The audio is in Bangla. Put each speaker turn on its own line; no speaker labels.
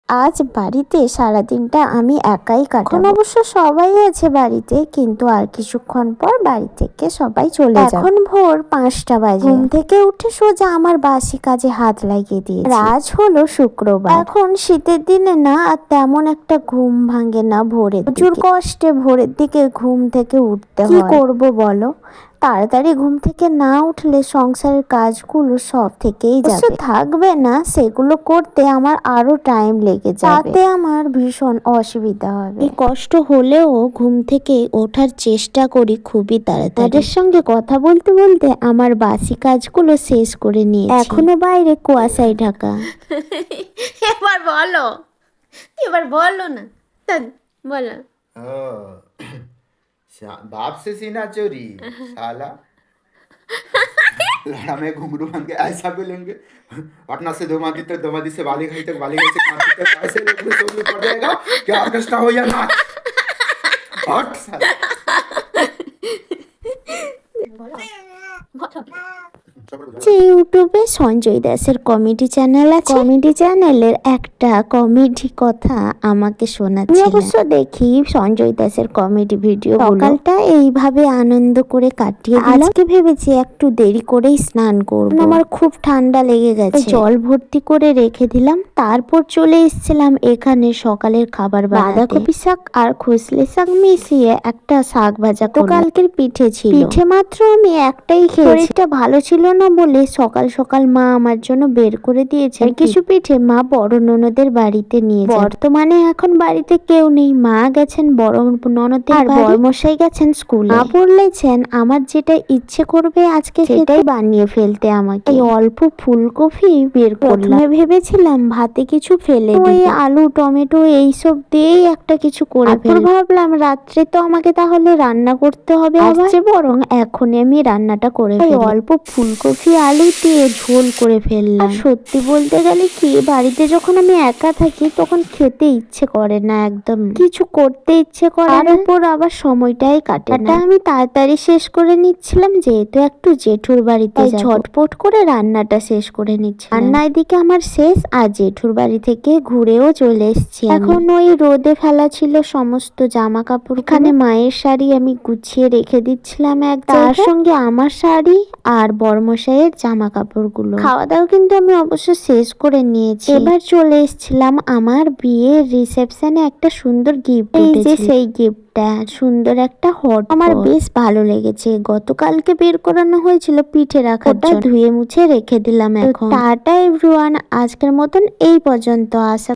আজ বাড়িতে সারাদিনটা আমি একাই কাটাবো। এখন অবশ্য সবাই আছে বাড়িতে, কিন্তু আর কিছুক্ষণ পর বাড়ি থেকে সবাই চলে যাবে। এখন ভোর 5টা বাজে। ঘুম থেকে উঠে সোজা আমার বাসি কাজে হাত লাগিয়ে দিয়েছি। আজ হলো শুক্রবার। এখন শীতের দিনে না আর তেমন একটা ঘুম ভাঙে না ভোরে, প্রচুর কষ্টে ভোরের দিকে ঘুম থেকে উঠতে হয়। কি করব বলো, তাড়াতাড়ি ঘুম থেকে না উঠলে সংসারের কাজগুলো সব থেকেই যাবে, থাকবে না, সেগুলো করতে আমার আরো টাইম লেগে যাবে, তাতে আমার ভীষণ অসুবিধা হবে। এই কষ্ট হলেও ঘুম থেকে ওঠার চেষ্টা করি খুবই তাড়াতাড়ি। তাদের সঙ্গে কথা বলতে বলতে আমার বাসি কাজগুলো শেষ করে নিয়েছি। এখনো বাইরে কুয়াশায় ঢাকা।
এবার বলো না, বলো।
बाप से सीना चोरी साला। लड़ा में घुंघरू बन के ऐसा बोलेंगे, पटना से दोमादी तक, दोमादी से बालीघाट तक, बालीघाट से कांची तक, ऐसे लोग पड़ जाएगा कि ऑर्केस्ट्रा हो या नाच। हट साला।
যে ইউটিউবে সঞ্জয় দাসের কমেডি চ্যানেল আছে, কমেডি চ্যানেলের একটা কমেডি কথা আমাকে শোনাচ্ছিল। অবশ্য দেখি সঞ্জয় দাসের কমেডি ভিডিও। সকালটা এইভাবে আনন্দ করে কাটিয়ে দিলাম। আজকে ভেবেছি একটু দেরি করেই স্নান করব, আমার খুব ঠান্ডা লেগে গেছে। জল ভর্তি করে রেখে দিলাম, তারপর চলে এসেছিলাম এখানে সকালের খাবার বাঁধাকপি শাক আর খসলে শাক মিশিয়ে একটা শাক ভাজা। তো কালকের পিঠে ছিল, পিঠে মাত্র আমি একটাই খেয়েছি। শরীরটা ভালো ছিল না বলে সকাল সকাল মা আমার জন্য বের করে দিয়েছে কিছু পিঠে। মা বড় ননদের বাড়িতে নিয়েছে। বর্তমানে এখন বাড়িতে কেউ নেই, মা গেছেন বড় ননদের আর বড়মশাই গেছেন স্কুলে। মা বলেছেন আমার যেটা ইচ্ছে করবে আজকে সেটাই বানিয়ে ফেলতে আমাকে। এই অল্প ফুলকপি বের করলাম, ভেবেছিলাম ভাতে কিছু ফেলে ওই আলু টমেটো এইসব দিয়েই একটা কিছু করে ফেলবো। ভাবলাম রাত্রে তো আমাকে তাহলে রান্না করতে হবে, আসছে বরং এখনই আমি রান্নাটা করে ফেলি। অল্প ফুলকপি আলু দিয়ে ঝোল করে ফেললাম। সত্যি বলতে গেলে কি, বাড়িতে যখন আমি একা থাকি তখন খেতে ইচ্ছে করে না, একদম কিছু করতে ইচ্ছে করে না, উপর আবার সময়টাই কাটে না। আমি তাড়াতাড়ি শেষ করে নিচ্ছিলাম যেহেতু একটু জেঠুর বাড়িতে যাব, ঝটপট করে রান্নাটা শেষ করে নিচ্ছি। রান্না এদিকে আমার শেষ, আর জেঠুর বাড়ি থেকে ঘুরেও চলে এসেছি। এখন ওই রোদে ফেলা ছিল সমস্ত জামা কাপড়। এখানে মায়ের শাড়ি আমি গুছিয়ে রেখে দিচ্ছিলাম এক, তার সঙ্গে আমার শাড়ি আর বড়মশাইয়ের জামা কাপড়গুলো। খাওয়া দাওয়া কিন্তু আমি অবশ্য শেষ করে নিয়েছি। এবার চলে এসেছিলাম আমার বিয়ের রিসেপশনে একটা সুন্দর গিফট। এই যে সেই গিফটটা, সুন্দর একটা হট, আমার বেশ ভালো লেগেছে। গতকালকে বের করানো হয়েছিল পিঠে রাখার জন্য, ধুয়ে মুছে রেখে দিলাম এখন। টাটা এভরিওয়ান, আজকের মতন এই পর্যন্ত। আশা